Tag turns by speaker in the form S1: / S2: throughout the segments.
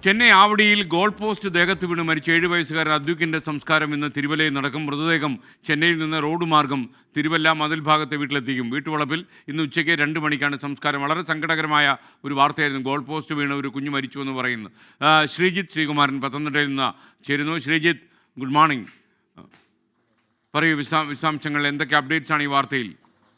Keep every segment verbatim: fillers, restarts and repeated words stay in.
S1: Chennai ആവടിയിൽ goal post ദേഹത്ത് വീണ് മരിച്ച ഏഴ് വയസ്സുകാരൻ അദ്വിക്കിൻ്റെ സംസ്കാരം ഇന്ന് തിരുവല്ലയിൽ നടക്കും. മൃതദേഹം ചെന്നൈയിൽ നിന്ന് റോഡ് മാർഗം തിരുവല്ല മതിൽ ഭാഗത്തെ വീട്ടിലെത്തിക്കും. വീട്ടുവളപ്പിൽ ഇന്ന് ഉച്ചയ്ക്ക് രണ്ട് മണിക്കാണ് സംസ്കാരം. വളരെ സങ്കടകരമായ ഒരു വാർത്തയായിരുന്നു. ഗോൾ പോസ്റ്റ് വീണ് ഒരു കുഞ്ഞു മരിച്ചു എന്ന് പറയുന്നു. ശ്രീജിത്ത് ശ്രീകുമാരൻ പത്തനംതിട്ടയിൽ നിന്ന് ചേരുന്നു. Sreejith, good morning. പറയൂ, വിശദാ വിശദാംശങ്ങൾ എന്തൊക്കെ അപ്ഡേറ്റ്സ് ആണ് ഈ വാർത്തയിൽ?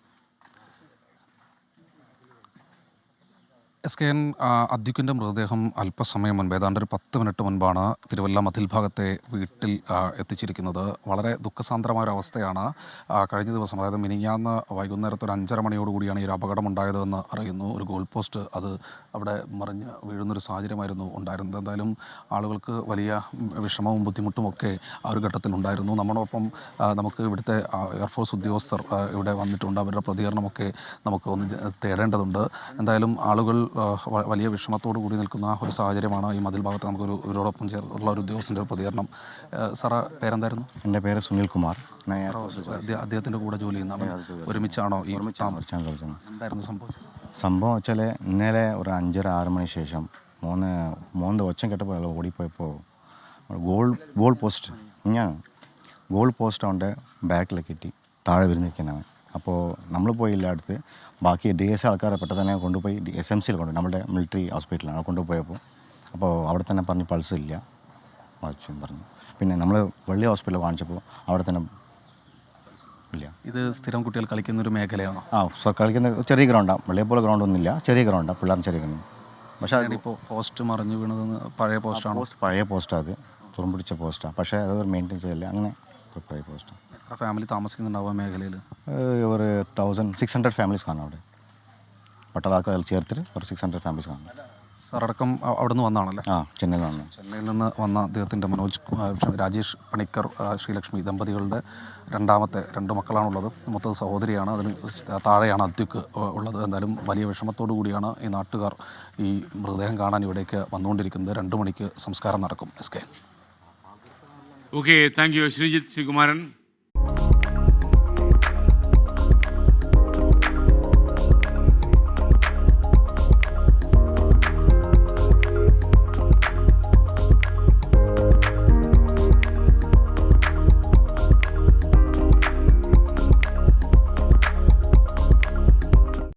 S2: എസ് കെ എൻ അദ്വിക്കിൻ്റെ മൃതദേഹം അല്പസമയം മുൻപ് ഏതാണ്ട് ഒരു പത്ത് മിനിറ്റ് മുൻപാണ് തിരുവല്ല മതിൽ ഭാഗത്തെ വീട്ടിൽ എത്തിച്ചിരിക്കുന്നത്. വളരെ ദുഃഖസാന്ദ്രമായ ഒരു അവസ്ഥയാണ്. കഴിഞ്ഞ ദിവസം, അതായത് മിനിഞ്ഞാന്ന് വൈകുന്നേരത്ത് ഒരു അഞ്ചര മണിയോടുകൂടിയാണ് ഈ ഒരു അപകടം ഉണ്ടായതെന്ന് അറിയുന്നു. ഒരു ഗോൾ പോസ്റ്റ് അത് അവിടെ മറിഞ്ഞ് വീഴുന്നൊരു സാഹചര്യമായിരുന്നു ഉണ്ടായിരുന്നത്. എന്തായാലും ആളുകൾക്ക് വലിയ വിഷമവും ബുദ്ധിമുട്ടും ഒക്കെ ആ ഒരു ഘട്ടത്തിൽ ഉണ്ടായിരുന്നു. നമ്മളോടൊപ്പം നമുക്ക് ഇവിടുത്തെ എയർഫോഴ്സ് ഉദ്യോഗസ്ഥർ ഇവിടെ വന്നിട്ടുണ്ട്. അവരുടെ പ്രതികരണമൊക്കെ നമുക്ക് ഒന്ന് തേടേണ്ടതുണ്ട്. എന്തായാലും ആളുകൾ വലിയ വിഷമത്തോടു കൂടി നിൽക്കുന്ന ഒരു സാഹചര്യമാണ്. ഈ മതിൽ ഭാഗത്ത് നമുക്കൊരു ഇവരോടൊപ്പം ചേർന്നുള്ള ഒരു ഉദ്യോഗസ്ഥൻ്റെ ഒരു പ്രതികരണം. സാറേ, പേരെന്തായിരുന്നു?
S3: എൻ്റെ പേര് സുനിൽ കുമാർ.
S2: അദ്ദേഹത്തിൻ്റെ കൂടെ ജോലി ചെയ്യുന്നതാണ്. ഒരുമിച്ചാണോ ഈ എന്തായിരുന്നു സംഭവിച്ചത്?
S3: സംഭവം വെച്ചാൽ ഇന്നലെ ഒരു അഞ്ചര ആറ് മണി ശേഷം മൂന്ന് മൂന്ന് ഒച്ചം കേട്ടപ്പോൾ ഓടിപ്പോയപ്പോൾ ഗോൾ ഗോൾ പോസ്റ്റ് ഞാൻ ഗോൾ പോസ്റ്റ് അവൻ്റെ ബാക്കിൽ കെട്ടി താഴെ വിരുന്നിരിക്കുന്നവൻ. അപ്പോൾ നമ്മൾ പോയി എല്ലായിടത്ത് ബാക്കി ഡി എസ് ആൾക്കാരെ പെട്ടെന്ന് തന്നെ കൊണ്ടുപോയി ഡി എസ് എം സിയിൽ കൊണ്ടുപോയി, നമ്മുടെ മിലിറ്ററി ഹോസ്പിറ്റലാണ് കൊണ്ടുപോയപ്പോൾ. അപ്പോൾ അവിടെ തന്നെ പറഞ്ഞ് പൾസ് ഇല്ല മറിച്ചും പറഞ്ഞു. പിന്നെ നമ്മൾ വെള്ളി ഹോസ്പിറ്റലിൽ കാണിച്ചപ്പോൾ അവിടെ തന്നെ ഇല്ല.
S2: ഇത് സ്ഥിരം കുട്ടികൾ കളിക്കുന്നൊരു മേഖലയാണോ?
S3: ആ, കളിക്കുന്ന ചെറിയ ഗ്രൗണ്ടാണ്. വെള്ളിയെ പോലെ ഗ്രൗണ്ടൊന്നുമില്ല, ചെറിയ ഗ്രൗണ്ടാണ്, പിള്ളേർ ചെറിയ ഗ്രൗണ്ട്.
S2: പക്ഷേ ഇപ്പോൾ പോസ്റ്റ് മറിഞ്ഞു വീണതെന്ന് പഴയ പോസ്റ്റാണ്.
S3: പോസ്റ്റ് പഴയ പോസ്റ്റാണ്, അത് തുറമ്പിടിച്ച പോസ്റ്റാണ്. പക്ഷേ അത് മെയിൻറ്റെയിൻ ചെയ്യില്ല, അങ്ങനെ പഴയ പോസ്റ്റാണ്.
S2: എത്ര ഫാമിലി താമസിക്കുന്നുണ്ടാവും മേഖലയിൽ?
S3: ഒരു തൗസൻഡ് സിക്സ് ഹൺഡ്രഡ് ഫാമിലീസ് കാണാം അവിടെ. പട്ടാളക്കാർ ചേർത്തിട്ട് ഒരു സിക്സ് ഹൺഡ്രഡ് ഫാമിലീസ് കാണാം.
S2: സാറടക്കം അവിടെ നിന്ന് വന്നാണല്ലേ?
S3: ആ, ചെന്നൈയിൽ വന്നു.
S2: ചെന്നൈയിൽ നിന്ന് വന്ന അദ്ദേഹത്തിൻ്റെ മനോജ് രാജേഷ് പണിക്കർ ശ്രീലക്ഷ്മി ദമ്പതികളുടെ രണ്ടാമത്തെ രണ്ട് മക്കളാണുള്ളത്. മൊത്തം സഹോദരിയാണ്. അതിന് താഴെയാണ് അദ്വിക്ക് ഉള്ളത്. എന്തായാലും വലിയ വിഷമത്തോടു കൂടിയാണ് ഈ നാട്ടുകാർ ഈ മൃതദേഹം കാണാൻ ഇവിടേക്ക് വന്നുകൊണ്ടിരിക്കുന്നത്. രണ്ട് മണിക്ക് സംസ്കാരം നടക്കും. S K.
S1: Okay, thank you Sreejith Sreekumaran.